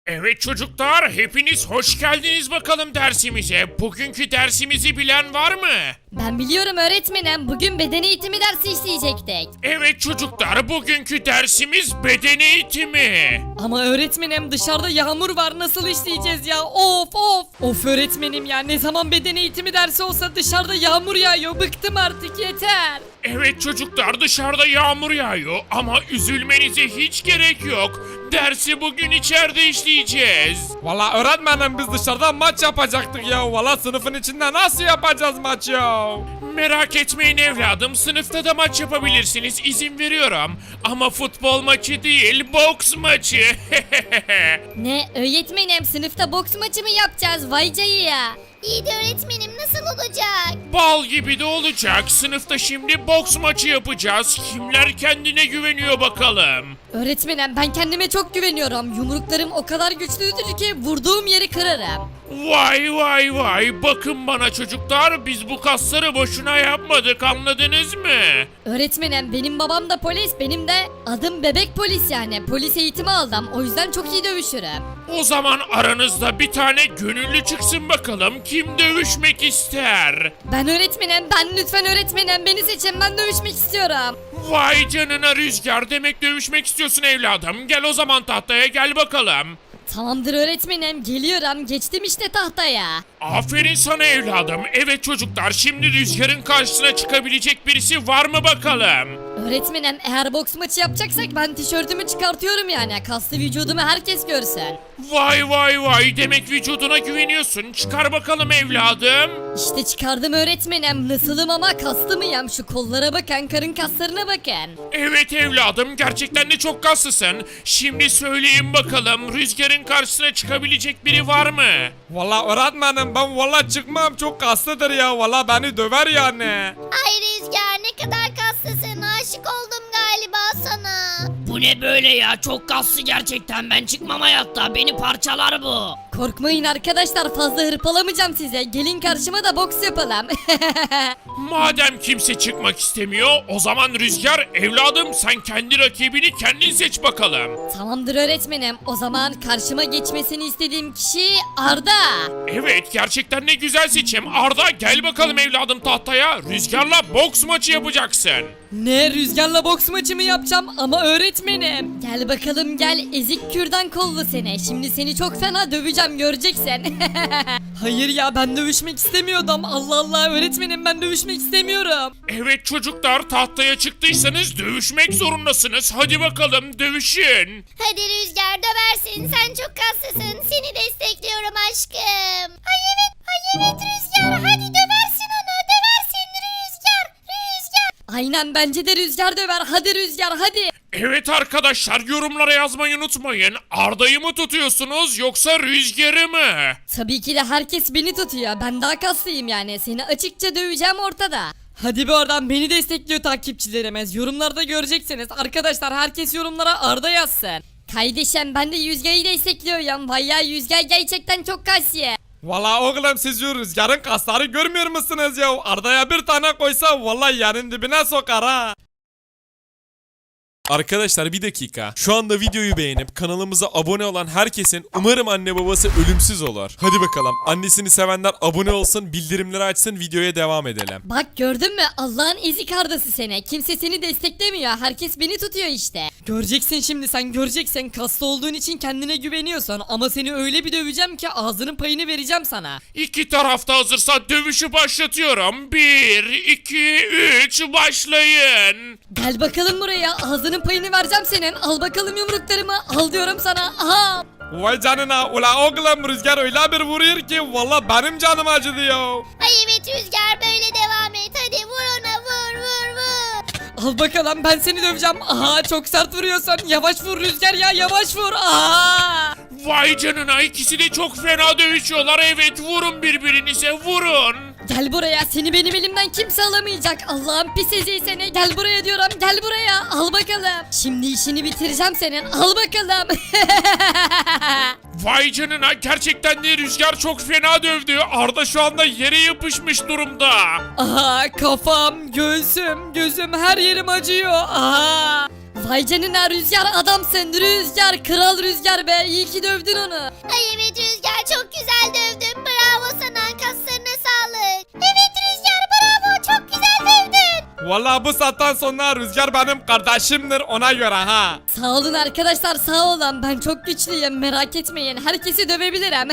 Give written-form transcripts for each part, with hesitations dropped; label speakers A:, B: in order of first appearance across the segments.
A: Evet çocuklar, hepiniz hoş geldiniz bakalım dersimize. Bugünkü dersimizi bilen var mı?
B: Ben biliyorum öğretmenim. Bugün beden eğitimi dersi işleyecektik.
A: Evet çocuklar, bugünkü dersimiz beden eğitimi.
C: Ama öğretmenim dışarıda yağmur var, nasıl işleyeceğiz ya? Of of. Of öğretmenim ya, ne zaman beden eğitimi dersi olsa dışarıda yağmur yağıyor. Bıktım artık, yeter.
A: Evet çocuklar, dışarıda yağmur yağıyor ama üzülmenize hiç gerek yok. Dersi bugün içeride işleyeceğiz.
D: Valla öğretmenim biz dışarıda maç yapacaktık ya. Valla sınıfın içinde nasıl yapacağız maç ya?
A: Merak etmeyin evladım, sınıfta da maç yapabilirsiniz, izin veriyorum. Ama futbol maçı değil, boks maçı.
B: Ne öğretmenim, sınıfta boks maçı mı yapacağız? Vay ya.
E: İyi de öğretmenim nasıl olacak?
A: Bal gibi de olacak. Sınıfta şimdi boks maçı yapacağız. Kimler kendine güveniyor bakalım.
B: Öğretmenim ben kendime çok güveniyorum. Yumruklarım o kadar güçlüdür ki vurduğum yeri kırarım.
A: Vay vay vay, bakın bana çocuklar, biz bu kasları boşuna yapmadık, anladınız mı?
B: Öğretmenim benim babam da polis, benim de adım bebek polis yani. Polis eğitimi aldım, o yüzden çok iyi dövüşürüm.
A: O zaman aranızda bir tane gönüllü çıksın bakalım, kim dövüşmek ister?
B: Ben öğretmenim, ben lütfen öğretmenim beni seçin, ben dövüşmek istiyorum.
A: Vay canına Rüzgar, demek dövüşmek istiyorsun evladım, gel o zaman tahtaya, gel bakalım.
B: Tamamdır öğretmenim, geliyorum, geçtim işte tahtaya.
A: Aferin sana evladım. Evet çocuklar, şimdi Rüzgar'ın karşısına çıkabilecek birisi var mı bakalım?
B: Öğretmenim eğer boks maçı yapacaksak ben tişörtümü çıkartıyorum yani. Kaslı vücudumu herkes görsün.
A: Vay vay vay, demek vücuduna güveniyorsun. Çıkar bakalım evladım.
B: İşte çıkardım öğretmenim. Nasılım ama kaslı mıyım? Şu kollara bakın, karın kaslarına bakın.
A: Evet evladım, gerçekten de çok kaslısın. Şimdi söyleyin bakalım, Rüzgar'ın karşısına çıkabilecek biri var mı?
D: Valla öğretmenim ben valla çıkmam, çok kaslıdır ya. Valla beni döver yani.
E: Ay Rüzgar ne kadar kaslısın, aşık oldum galiba sana.
F: Bu ne böyle ya? Çok kaslı gerçekten. Ben çıkmam hayatta. Beni parçalar bu.
B: Korkmayın arkadaşlar, fazla hırpalamayacağım size. Gelin karşıma da boks yapalım.
A: Madem kimse çıkmak istemiyor, o zaman Rüzgar evladım, sen kendi rakibini kendin seç bakalım.
B: Tamamdır öğretmenim. O zaman karşıma geçmesini istediğim kişi Arda.
A: Evet, gerçekten ne güzel seçim. Arda, gel bakalım evladım tahtaya. Rüzgar'la boks maçı yapacaksın.
C: Ne, Rüzgar'la boks maçı mı yapacağım? Ama öğretmenim.
B: Gel bakalım gel, ezik kürdan kollu seni. Şimdi seni çok fena döveceğim, göreceksin.
C: Hayır ya, ben dövüşmek istemiyordum. Allah Allah öğretmenim, ben dövüşmek istemiyorum.
A: Evet çocuklar, tahtaya çıktıysanız dövüşmek zorundasınız. Hadi bakalım dövüşün.
E: Hadi Rüzgar döversin, sen çok kaslısın, seni destekliyorum aşkım. Ay evet Rüzgar, hadi döversin onu, döversin Rüzgar.
B: Aynen, bence de Rüzgar döver. Hadi Rüzgar hadi.
A: Evet arkadaşlar, yorumlara yazmayı unutmayın. Arda'yı mı tutuyorsunuz yoksa Rüzgar'ı mı?
B: Tabii ki de herkes beni tutuyor. Ben daha kaslıyım yani. Seni açıkça döveceğim ortada.
C: Hadi bir oradan, beni destekliyor takipçilerimiz. Yorumlarda göreceksiniz. Arkadaşlar herkes yorumlara Arda yazsın.
B: Kardeşim ben de Yüzge'yi destekliyorum. Vay ya, Yüzge gerçekten çok kaslı.
D: Valla oğlum siz şu Rüzgar'ın kasları görmüyor musunuz ya? Arda'ya bir tane koysa valla yerin dibine sokar ha.
G: Arkadaşlar bir dakika. Şu anda videoyu beğenip kanalımıza abone olan herkesin umarım anne babası ölümsüz olur. Hadi bakalım. Annesini sevenler abone olsun, bildirimleri açsın, videoya devam edelim.
B: Bak gördün mü, Allah'ın ezik Arda'sı seni. Kimse seni desteklemiyor. Herkes beni tutuyor işte.
C: Göreceksin şimdi, sen göreceksin. Kaslı olduğun için kendine güveniyorsun. Ama seni öyle bir döveceğim ki ağzının payını vereceğim sana.
A: İki tarafta hazırsa dövüşü başlatıyorum. 1, 2, 3 başlayın.
B: Gel bakalım buraya. Ağzının payını vereceğim senin. Al bakalım yumruklarımı. Al diyorum sana. Aha.
D: Vay canına ula oğlum Rüzgar öyle bir vuruyor ki valla benim canım acıdı ya.
E: Ay evet Rüzgar böyle devam et, hadi vur ona, vur.
C: Al bakalım, ben seni döveceğim. Aha, çok sert vuruyorsun. Yavaş vur Rüzgar ya, yavaş vur. Aha.
A: Vay canına, ikisi de çok fena dövüşüyorlar. Evet, vurun birbirinize, vurun.
B: Gel buraya, seni benim elimden kimse alamayacak. Allah'ın pis eziği seni. Gel buraya diyorum, gel buraya. Al bakalım. Şimdi işini bitireceğim senin. Al bakalım.
A: Vay canına, gerçekten de Rüzgar çok fena dövdü. Arda şu anda yere yapışmış durumda.
C: Aha, kafam, göğsüm, gözüm, her yerim acıyor. Aha.
B: Vay canına Rüzgar, adamsın. Rüzgar, kral Rüzgar be, iyi ki dövdün onu.
E: Ay evet Rüzgar, çok güzel dövdün. Bravo sana, kaslarına sağlık. Evet Rüzgar, bravo, çok güzel dövdün.
D: Vallahi bu saatten sonra Rüzgar benim kardeşimdir ona göre ha.
B: Sağ olun arkadaşlar, sağ olun. Ben çok güçlüyüm, merak etmeyin. Herkesi dövebilirim.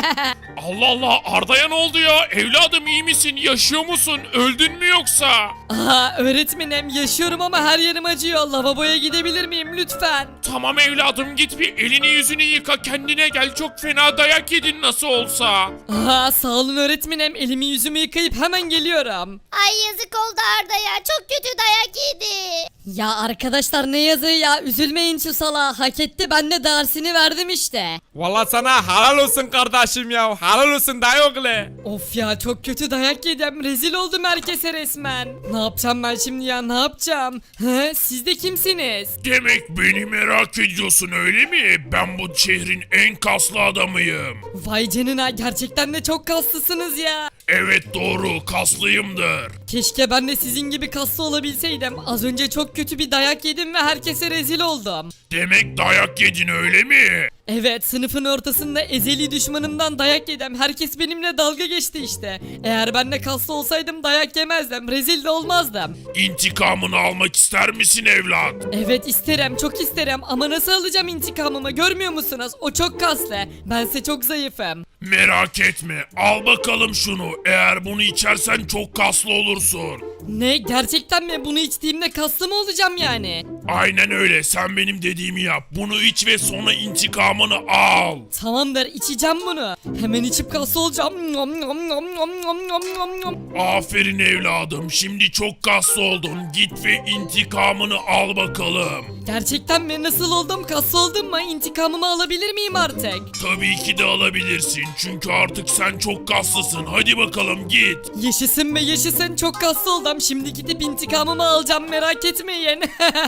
A: Allah Allah, Arda'ya ne oldu ya? Evladım iyi misin? Yaşıyor musun? Öldün mü yoksa?
C: Aha öğretmenim yaşıyorum ama her yerim acıyor. Lavaboya gidebilir miyim lütfen?
A: Tamam evladım, git bir elini yüzünü yıka, kendine gel, çok fena dayak yedin nasıl olsa.
C: Aha sağ olun öğretmenim, elimi yüzümü yıkayıp hemen geliyorum.
E: Ay yazık oldu Arda'ya, çok kötü dayak yedi.
B: Ya arkadaşlar ne yazığı ya, üzülmeyin şu salağa, hak etti, ben de dersini verdim işte.
D: Vallahi sana helal olsun kardeşim ya. Helal olsun dayı oğlu.
C: Of ya çok kötü dayak yedim, rezil oldum herkese resmen. Ne yapacağım ben şimdi ya, ne yapacağım? He, siz de kimsiniz?
A: Demek beni merak ediyorsun öyle mi? Ben bu şehrin en kaslı adamıyım.
C: Vay canına, gerçekten de çok kaslısınız ya.
A: Evet doğru, kaslıyımdır.
C: Keşke ben de sizin gibi kaslı olabilseydim. Az önce çok kötü bir dayak yedim ve herkese rezil oldum.
A: Demek dayak yedin öyle mi?
C: Evet, sınıfın ortasında ezeli düşmanımdan dayak yedim. Herkes benimle dalga geçti işte. Eğer ben de kaslı olsaydım dayak yemezdim. Rezil de olmazdım.
A: İntikamını almak ister misin evlat?
C: Evet isterim, çok isterim ama nasıl alacağım intikamımı, görmüyor musunuz? O çok kaslı. Bense çok zayıfım.
A: Merak etme, al bakalım şunu. Eğer bunu içersen çok kaslı olursun.
C: Ne, gerçekten mi? Bunu içtiğimde kaslı mı olacağım yani?
A: Aynen öyle, sen benim dediğimi yap. Bunu iç ve sonra intikamını al.
C: Tamamdır, içeceğim bunu. Hemen içip kaslı olacağım. Nom nom nom nom nom nom nom nom.
A: Aferin evladım, şimdi çok kaslı oldun. Git ve intikamını al bakalım.
C: Gerçekten mi? Nasıl oldum? Kaslı oldum mu? İntikamımı alabilir miyim artık?
A: Tabii ki de alabilirsin, çünkü artık sen çok kaslısın. Hadi bakalım git.
C: Yaşasın be yaşasın, çok kaslı oldum. Şimdi gidip intikamımı alacağım, merak etmeyin.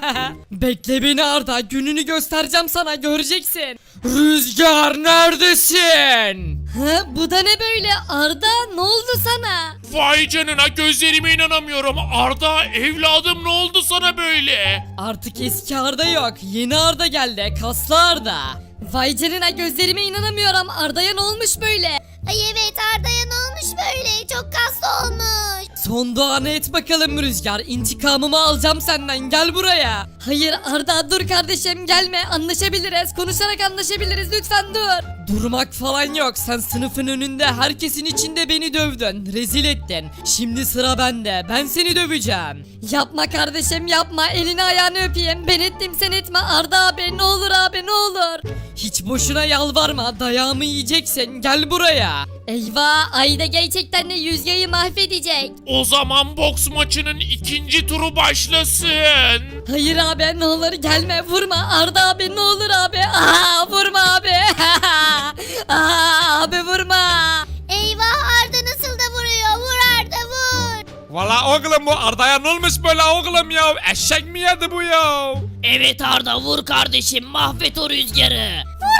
C: Bekle beni Arda, gününü göstereceğim sana, göreceksin. Rüzgar neredesin?
B: Ha, bu da ne böyle Arda, ne oldu sana?
A: Vay canına, gözlerime inanamıyorum. Arda evladım, ne oldu sana böyle?
C: Artık eski Arda yok, yeni Arda geldi, kaslı Arda.
B: Vay canına, gözlerime inanamıyorum, Arda'ya ne olmuş böyle?
E: Ay evet Arda'ya ne olmuş böyle, çok kaslı olmuş.
C: Son duanı et bakalım Rüzgar, intikamımı alacağım senden, gel buraya.
B: Hayır Arda, dur kardeşim, gelme, anlaşabiliriz, konuşarak anlaşabiliriz, lütfen dur.
C: Durmak falan yok, sen sınıfın önünde herkesin içinde beni dövdün, rezil ettin. Şimdi sıra bende, ben seni döveceğim.
B: Yapma kardeşim, yapma, elini ayağını öpeyim, ben ettim sen etme Arda abi, ne olur abi, ne olur.
C: Hiç boşuna yalvarma, dayağımı yiyeceksin, gel buraya.
B: Eyvah, Ayda gerçekten de Yüzge'yi mahvedecek.
A: O zaman boks maçının ikinci turu başlasın.
B: Hayır abi, ne olur gelme, vurma Arda abi, ne olur abi. Vurma abi. Abi vurma.
E: Eyvah Arda nasıl da vuruyor, vur Arda vur.
D: Vallahi oğlum bu Arda'ya ne olmuş böyle oğlum ya? Eşek mi yedi bu ya?
F: Evet Arda, vur kardeşim, mahvet o Rüzgar'ı.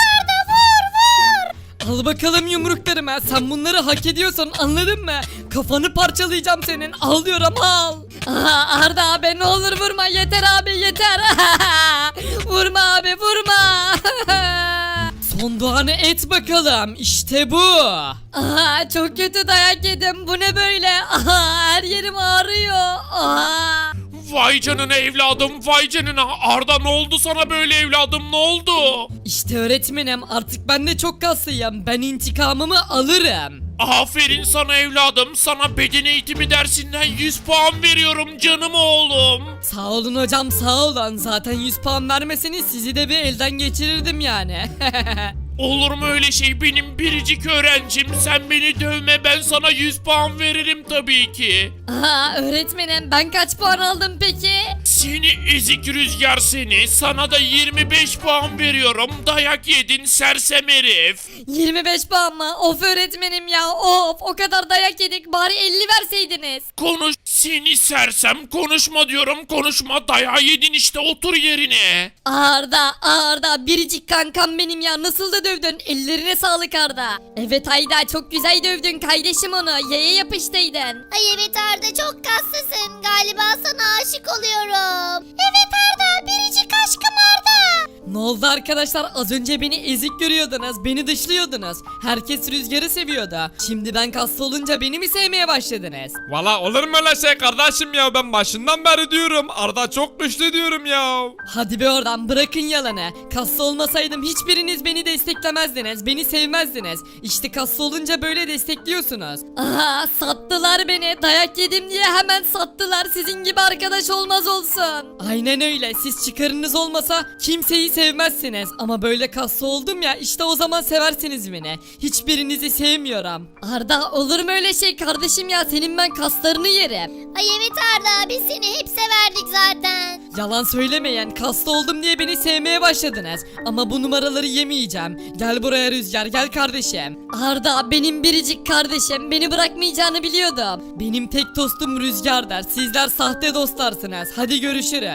C: Al bakalım yumruklarımı, sen bunları hak ediyorsun, anladın mı? Kafanı parçalayacağım senin, al diyorum al.
B: Arda abi, ne olur vurma, yeter abi, yeter. Vurma abi, vurma.
C: Son duanı et bakalım, işte bu.
B: Çok kötü dayak yedim, bu ne böyle? Her yerim ağrıyor.
A: Vay canına evladım, vay canına. Arda ne oldu sana böyle evladım, ne oldu?
C: İşte öğretmenim, artık ben de çok kaslıyım, ben intikamımı alırım.
A: Aferin sana evladım, sana beden eğitimi dersinden 100 puan veriyorum canım oğlum.
C: Sağ olun hocam, sağ olun, zaten 100 puan vermeseniz sizi de bir elden geçirirdim yani.
A: Olur mu öyle şey, benim biricik öğrencim, sen beni dövme, ben sana 100 puan veririm tabii ki.
B: Öğretmenim, ben kaç puan aldım peki?
A: Seni ezik Rüzgar seni, sana da 25 puan veriyorum, dayak yedin sersem herif.
B: 25 puan mı? Of öğretmenim ya, of, o kadar dayak yedik, bari 50 verseydiniz.
A: Konuş seni sersem, konuşma diyorum, konuşma, dayağı yedin işte, otur yerine.
B: Arda biricik kankam benim ya, nasıl da dövdün. Ellerine sağlık Arda. Evet Ayda çok güzel dövdün kardeşim onu. Yaya yapıştıydın.
E: Ay evet Arda çok kaslısın. Galiba sana aşık oluyorum. Evet Arda biricik aşkım Arda.
C: Ne oldu arkadaşlar? Az önce beni ezik görüyordunuz. Beni dışlıyordunuz. Herkes Rüzgar'ı seviyordu. Şimdi ben kaslı olunca beni mi sevmeye başladınız?
D: Valla olur mu öyle şey kardeşim ya, ben başından beri diyorum Arda çok güçlü diyorum ya.
C: Hadi be oradan, bırakın yalanı. Kaslı olmasaydım hiçbiriniz beni desteklemezdiniz. Beni sevmezdiniz. İşte kaslı olunca böyle destekliyorsunuz.
B: Aha sattılar beni. Dayak yedim diye hemen sattılar. Sizin gibi arkadaş olmaz olsun.
C: Aynen öyle. Siz çıkarınız olmasa kimseyi sevmezsiniz. Ama böyle kaslı oldum ya, işte o zaman seversiniz beni. Hiçbirinizi sevmiyorum.
B: Arda olur mu öyle şey kardeşim ya? Senin ben kaslarını yerim.
E: Ay evet Arda biz seni hep severdik zaten.
C: Yalan söylemeyin. Kaslı oldum diye beni sevmeye başladınız. Ama bu numaraları yemeyeceğim. Gel buraya Rüzgar, gel kardeşim.
B: Arda benim biricik kardeşim. Beni bırakmayacağını biliyordum.
C: Benim tek dostum Rüzgar'dır. Sizler sahte dostlarsınız. Hadi görüşürüz.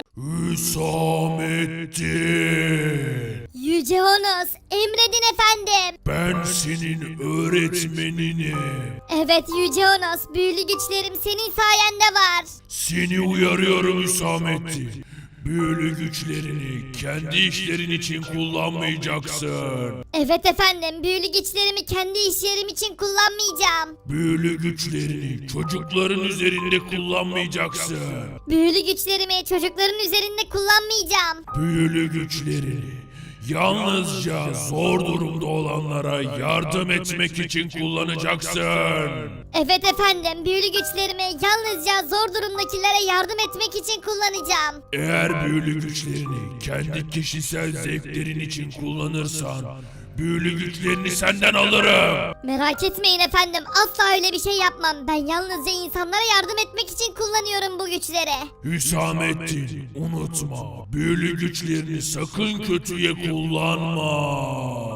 A: Hüsamettin.
E: Yüce Honos emredin efendim.
A: Ben senin öğretmeninim.
E: Evet Yüce Honos büyülü güçlerim senin sayende var.
A: Seni uyarıyorum Hüsamettin. Büyülü güçlerini kendi işlerin için kullanmayacaksın.
E: Evet efendim büyülü güçlerimi kendi işlerim için kullanmayacağım.
A: Büyülü güçlerini çocukların üzerinde kullanmayacaksın.
E: Büyülü güçlerimi çocukların üzerinde kullanmayacağım.
A: Büyülü güçlerini yalnızca zor durumda olanlara yardım etmek için kullanacaksın.
E: Evet efendim büyülü güçlerimi yalnızca zor durumdakilere yardım etmek için kullanacağım.
A: Eğer büyülü güçlerini kendi kişisel zevklerin için kullanırsan büyülü güçlerini senden alırım.
E: Merak etmeyin efendim asla öyle bir şey yapmam. Ben yalnızca insanlara yardım etmek için kullanıyorum bu güçleri.
A: Hüsamettin unutma, büyülü güçlerini sakın kötüye kullanma.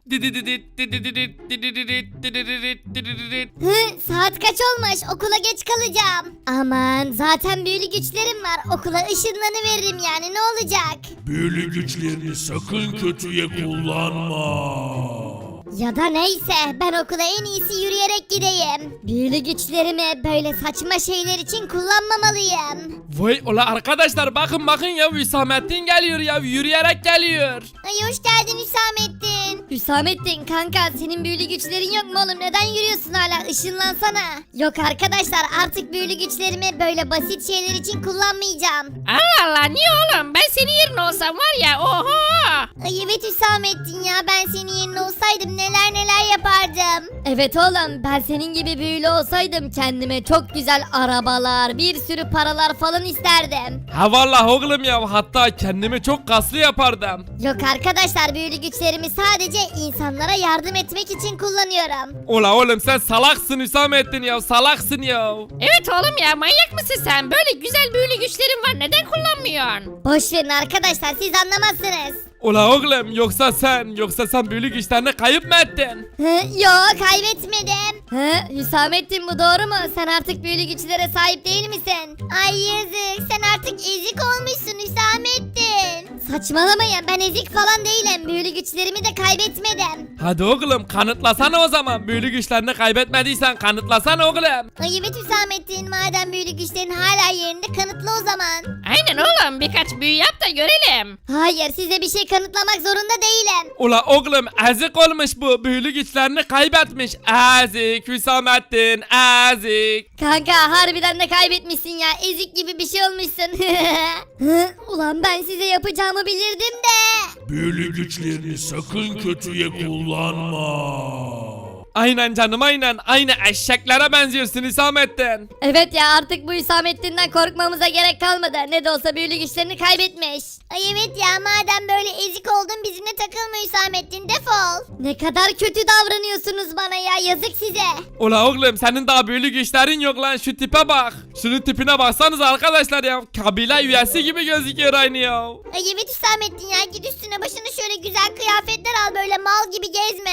E: Saat kaç olmuş okula geç kalacağım. Aman zaten büyülü güçlerim var okula ışınlanıveririm yani ne olacak?
A: Büyülü güçlerini sakın kötüye kullanma.
E: Ya da neyse ben okula en iyisi yürüyerek gideyim. Büyülü güçlerimi böyle saçma şeyler için kullanmamalıyım.
D: Vay ola arkadaşlar, bakın ya, Hüsamettin geliyor ya, yürüyerek geliyor.
E: Ay hoş geldin Hüsamettin.
B: Hüsamettin kanka senin büyülü güçlerin yok mu oğlum? Neden yürüyorsun hala? Işınlansana.
E: Yok arkadaşlar artık büyülü güçlerimi böyle basit şeyler için kullanmayacağım.
F: Allah Allah, niye oğlum? Ben senin yerine olsam var ya, oho.
E: Ay evet Hüsamettin ya ben senin yerine olsaydım neler yapardım.
B: Evet oğlum ben senin gibi büyülü olsaydım kendime çok güzel arabalar, bir sürü paralar falan isterdim.
D: Ha vallahi oğlum ya, hatta kendimi çok kaslı yapardım.
E: Yok arkadaşlar büyülü güçlerimi sadece insanlara yardım etmek için kullanıyorum.
D: Ola oğlum sen salaksın Hüsamettin ya, salaksın ya.
F: Evet oğlum ya, manyak mısın sen? Böyle güzel büyülü güçlerin var, neden kullanmıyorsun?
E: Boş verin arkadaşlar siz anlamazsınız.
D: Ola oğlum, yoksa sen büyülü güçlerini kayıp mı ettin?
E: Yok kaybetmedim.
B: Hüsamettin bu doğru mu? Sen artık büyülü güçlere sahip değil misin?
E: Ay yazık sen artık ezik olmuşsun Hüsamettin. Saçmalamayın ben ezik falan değilim. Büyülü güçlerimi de kaybetmedim.
D: Hadi oğlum kanıtlasana o zaman, büyülü güçlerini kaybetmediysen kanıtlasana oğlum.
E: Ay evet Hüsamettin madem büyülü güçlerin hala yerinde kanıtla o zaman.
F: Aynen oğlum, birkaç büyü yap da görelim.
E: Hayır size bir şey kanıtlamak zorunda değilim.
D: Ula oğlum ezik olmuş bu, büyülü güçlerini kaybetmiş. Ezik Hüsamettin, ezik.
B: Kanka harbiden de kaybetmişsin ya. Ezik gibi bir şey olmuşsun.
E: Ulan ben size yapacağımı bilirdim de.
A: Büyülü güçlerini sakın kötüye kullanma.
D: Aynen canım aynen, aynı eşeklere benziyorsun Hüsamettin.
B: Evet ya artık bu Hüsamettin'den korkmamıza gerek kalmadı. Ne de olsa büyülü güçlerini kaybetmiş.
E: Ay evet ya madem böyle ezik oldun bizimle takılma Hüsamettin defol.
B: Ne kadar kötü davranıyorsunuz bana ya. Yazık size.
D: Ula oğlum senin daha büyülü güçlerin yok lan, şu tipe bak. Şunun tipine baksanız arkadaşlar ya, kabile üyesi gibi gözüküyor aynı ya.
E: Ay evet Hüsamettin ya git üstüne başına şöyle güzel kıyafetler al böyle mal gibi gezme.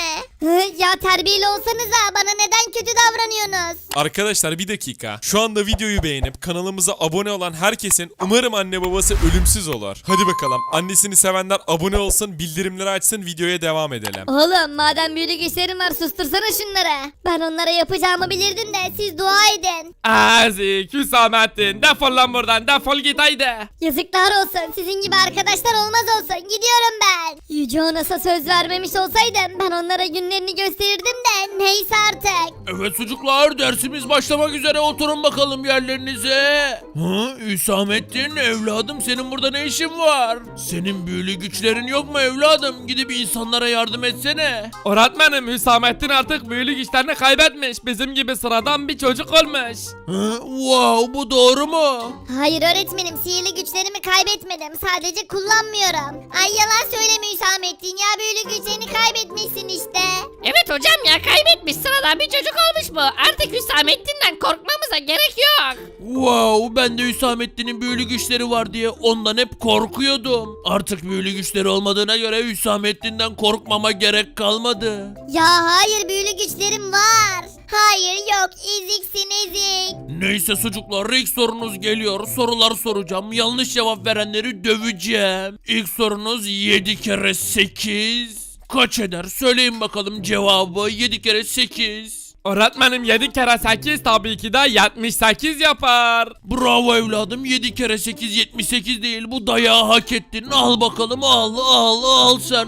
E: Ya terbiyeli olsanıza, bana neden kötü davranıyorsunuz?
G: Arkadaşlar bir dakika. Şu anda videoyu beğenip kanalımıza abone olan herkesin umarım anne babası ölümsüz olur. Hadi bakalım. Annesini sevenler abone olsun, bildirimleri açsın, videoya devam edelim.
E: Oğlum madem büyülü güçlerin var sustursana şunları. Ben onlara yapacağımı bilirdim de siz dua edin.
D: Ezik, Hüsamettin, defol lan buradan, defol git haydi.
E: Yazıklar olsun, sizin gibi arkadaşlar olmaz olsun, gidiyorum ben. Yüce Onas'a söz vermemiş olsaydım ben onlara günlerini gösterirdim de neyse artık.
F: Evet çocuklar, dersimiz başlamak üzere, oturun bakalım yerlerinize. Hüsamettin evladım, senin burada ne işin var? Senin büyülü güçlerin yok mu evladım? Gidip insanlara yardım etsene.
D: Öğretmenim, Hüsamettin artık büyülü güçlerini kaybetmiş. Bizim gibi sıradan bir çocuk olmuş.
F: Wow, bu doğru mu?
E: Hayır öğretmenim, sihirli güçlerimi kaybetmedim, sadece kullanmıyorum. Ay yalan söyleme Hüsamettin ya, büyülü güçlerini kaybetmişsin işte.
H: Evet hocam ya, kaybetmiş, sıradan bir çocuk olmuş bu. Artık Hüsamettin'den korkmamıza gerek yok.
F: Wow, ben de Hüsamettin'in büyülü güçleri var diye ondan hep korkuyordum. Artık büyülü güçleri olmadığına göre Hüsamettin'den korkmama gerek kalmadı.
E: Ya hayır, büyülü güçlerim var. Hayır yok, eziksin ezik.
F: Neyse çocuklar, ilk sorunuz geliyor. Sorular soracağım. Yanlış cevap verenleri döveceğim. İlk sorunuz 7 kere 8 kaç eder? Söyleyin bakalım cevabı. 7 kere 8.
D: Öğretmenim 7 kere 8 tabii ki de 78 yapar.
F: Bravo evladım, 7 kere 8 78 değil, bu dayağı hak ettin. Al bakalım, al sen,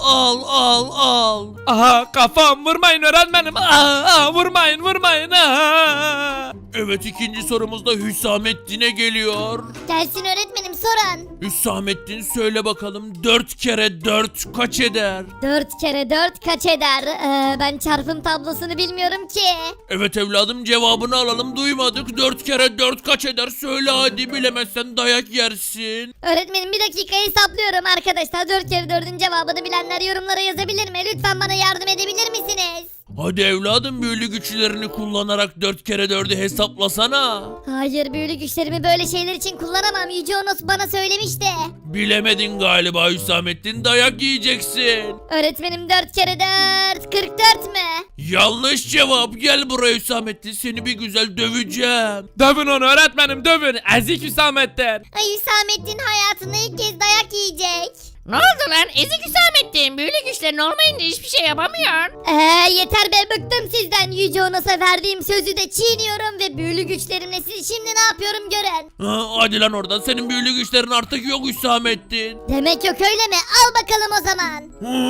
F: al.
D: Aha, kafam, vurmayın öğretmenim. Vurmayın.
F: Evet, ikinci sorumuz da Hüsamettin'e geliyor.
E: Gelsin öğretmenim, sorun.
F: Hüsamettin söyle bakalım, 4 kere 4 kaç eder?
E: 4 kere 4 kaç eder? Ben çarpım tablosunu bilmiyorum ki.
F: Evet evladım, cevabını alalım, duymadık. 4 kere 4 kaç eder? Söyle hadi, bilemezsen dayak yersin.
E: Öğretmenim bir dakika hesaplıyorum arkadaşlar. 4 kere 4'ün cevabını bilenler yorumlara yazabilir mi? Lütfen bana yardım edebilir misiniz?
F: Hadi evladım, büyülü güçlerini kullanarak 4 kere 4'ü hesaplasana.
E: Hayır, büyülü güçlerimi böyle şeyler için kullanamam. Yüce Onos bana söylemişti.
F: Bilemedin galiba Hüsamettin, dayak yiyeceksin.
E: Öğretmenim 4 kere 4 44 mü?
F: Yanlış cevap. Gel buraya Hüsamettin, seni bir güzel döveceğim.
D: Dövün onu öğretmenim, dövün. Ezik Hüsamettin.
E: Ay Hüsamettin hayatında ilk kez dayak yiyecek.
H: Ne oldu lan, ezik Hüsamettin? Büyülü güçlerin olmayınca hiçbir şey yapamıyor.
E: Yeter be, bıktım sizden. Yüce Onos'a verdiğim sözü de çiğniyorum ve büyülü güçlerimle sizi şimdi ne yapıyorum görün.
F: Hadi lan oradan, senin büyülü güçlerin artık yok Hüsamettin.
E: Demek yok öyle mi? Al bakalım o zaman.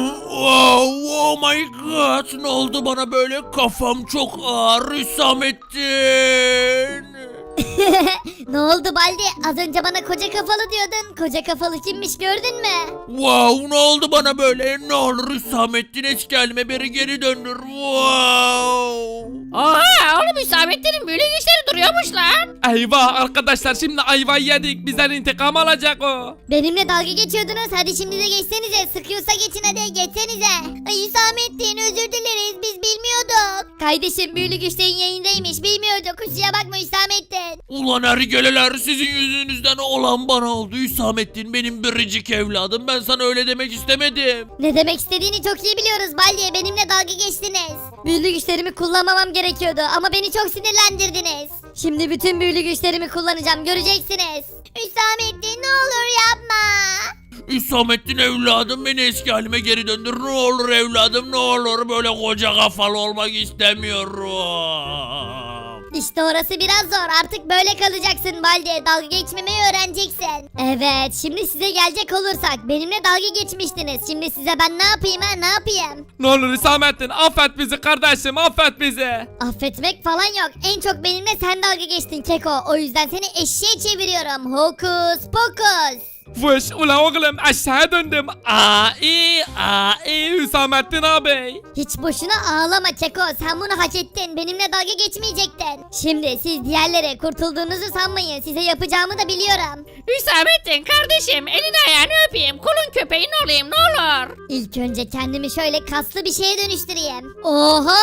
F: Oh my god, ne oldu bana böyle? Kafam çok ağır Hüsamettin.
E: Ne oldu Baldi? Az önce bana koca kafalı diyordun. Koca kafalı kimmiş gördün mü?
F: Wow, ne oldu bana böyle? Ne olur Hüsamettin, eski halime beri geri döndür. Wow.
H: Oha oğlum, Hüsamettin'in büyülü güçleri duruyormuş lan.
D: Eyvah arkadaşlar, şimdi ayvayı yedik. Bizden intikam alacak o.
E: Benimle dalga geçiyordunuz. Hadi şimdi de geçsenize. Sıkıyorsa geçin hadi, geçsenize. Ay Hüsamettin, özür dileriz. Biz bilmiyorduk. Kardeşim büyülü güçlerin yayındaymış. Bilmiyorduk. Kusura bakma Hüsamettin.
F: Ulan ergeleler, sizin yüzünüzden olan bana oldu Hüsamettin, benim biricik evladım. Ben sana öyle demek istemedim.
E: Ne demek istediğini çok iyi biliyoruz Baldi. Benimle dalga geçtiniz. Büyülü güçlerimi kullanmamam gerekiyordu ama beni çok sinirlendirdiniz. Şimdi bütün büyülü güçlerimi kullanacağım, göreceksiniz. Hüsamettin ne olur yapma.
F: Hüsamettin evladım, beni eski halime geri döndür. Ne olur evladım, ne olur, böyle koca kafalı olmak istemiyorum.
E: İşte orası biraz zor. Artık böyle kalacaksın Baldi. Dalga geçmemeyi öğreneceksin. Evet, şimdi size gelecek olursak. Benimle dalga geçmiştiniz. Şimdi size ben ne yapayım ha, ne yapayım?
D: Ne olur Hüsamettin, affet bizi kardeşim, affet bizi.
E: Affetmek falan yok. En çok benimle sen dalga geçtin Keko. O yüzden seni eşeğe çeviriyorum. Hokus pokus.
D: Vış ula oğlum, aşağı döndüm. Ai Hüsamettin abi.
E: Hiç boşuna ağlama Keko. Sen bunu hak ettin. Benimle dalga geçmeyecektin. Şimdi siz diğerlere kurtulduğunuzu sanmayın. Size yapacağımı da biliyorum.
H: Hüsamettin kardeşim, elini ayağını öpeyim, kulun köpeğin olayım ne olur.
E: İlk önce kendimi şöyle kaslı bir şeye dönüştüreyim. Oha!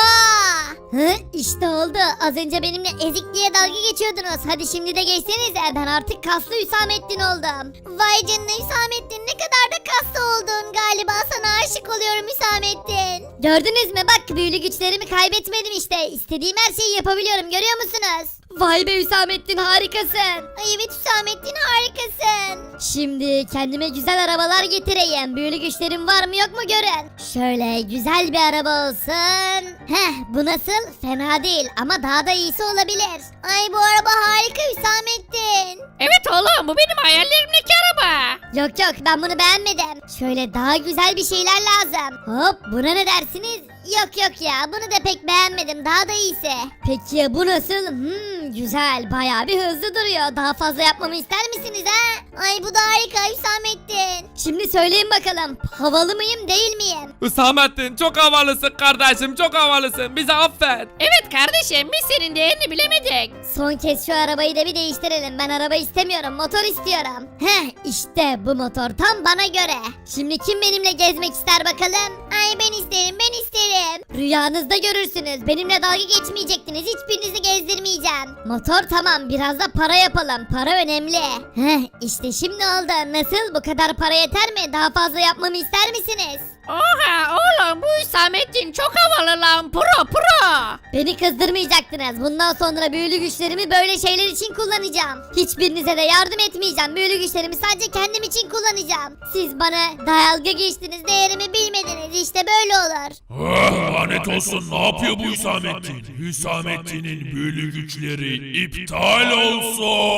E: İşte oldu. Az önce benimle ezik diye dalga geçiyordunuz. Hadi şimdi de geçsenize. Ben artık kaslı Hüsamettin oldum. Vay Vay canına Hüsamettin, ne kadar da kaslı oldun. Galiba sana aşık oluyorum Hüsamettin. Gördünüz mü, bak büyülü güçlerimi kaybetmedim işte. İstediğim her şeyi yapabiliyorum, görüyor musunuz?
B: Vay be Hüsamettin, harikasın.
E: Ay evet Hüsamettin, harikasın. Şimdi kendime güzel arabalar getireyim. Büyülü güçlerim var mı yok mu görün. Şöyle güzel bir araba olsun. Heh, bu nasıl? Fena değil ama daha da iyisi olabilir. Ay bu araba harika Hüsamettin.
H: Evet oğlum bu benim hayallerimdeki araba.
E: Yok yok, ben bunu beğenmedim. Şöyle daha güzel bir şeyler lazım. Hop, buna ne dersiniz? Yok yok ya, bunu da pek beğenmedim, daha da iyisi. Peki ya bu nasıl? Güzel, bayağı bir hızlı duruyor. Daha fazla yapmamı ister misiniz ha? Ay bu da harika Hüsamettin. Şimdi söyleyin bakalım, havalı mıyım değil miyim?
D: Hüsamettin çok havalısın kardeşim, çok havalısın. Bizi affet.
H: Evet kardeşim biz senin değerini bilemedik.
E: Son kez şu arabayı da bir değiştirelim. Ben araba istemiyorum, motor istiyorum. Heh, işte bu motor tam bana göre. Şimdi kim benimle gezmek ister bakalım? Ay ben isterim, ben isterim. Rüyanızda görürsünüz. Benimle dalga geçmeyecektiniz. Hiçbirinizi gezdirmeyeceğim. Motor tamam, biraz da para yapalım. Para önemli. Heh, işte şimdi oldu. Nasıl? Bu kadar para yeter mi? Daha fazla yapmamı ister misiniz?
H: Oha oğlum bu Hüsamettin çok havalı lan pro.
E: Beni kızdırmayacaktınız. Bundan sonra büyülü güçlerimi böyle şeyler için kullanacağım. Hiçbirinize de yardım etmeyeceğim. Büyülü güçlerimi sadece kendim için kullanacağım. Siz bana dalga geçtiniz, değerimi bilmediniz. İşte böyle olur.
A: Lanet olsun, ne yapıyor bu Hüsamettin? Hüsamettin'in büyülü güçleri iptal olsun.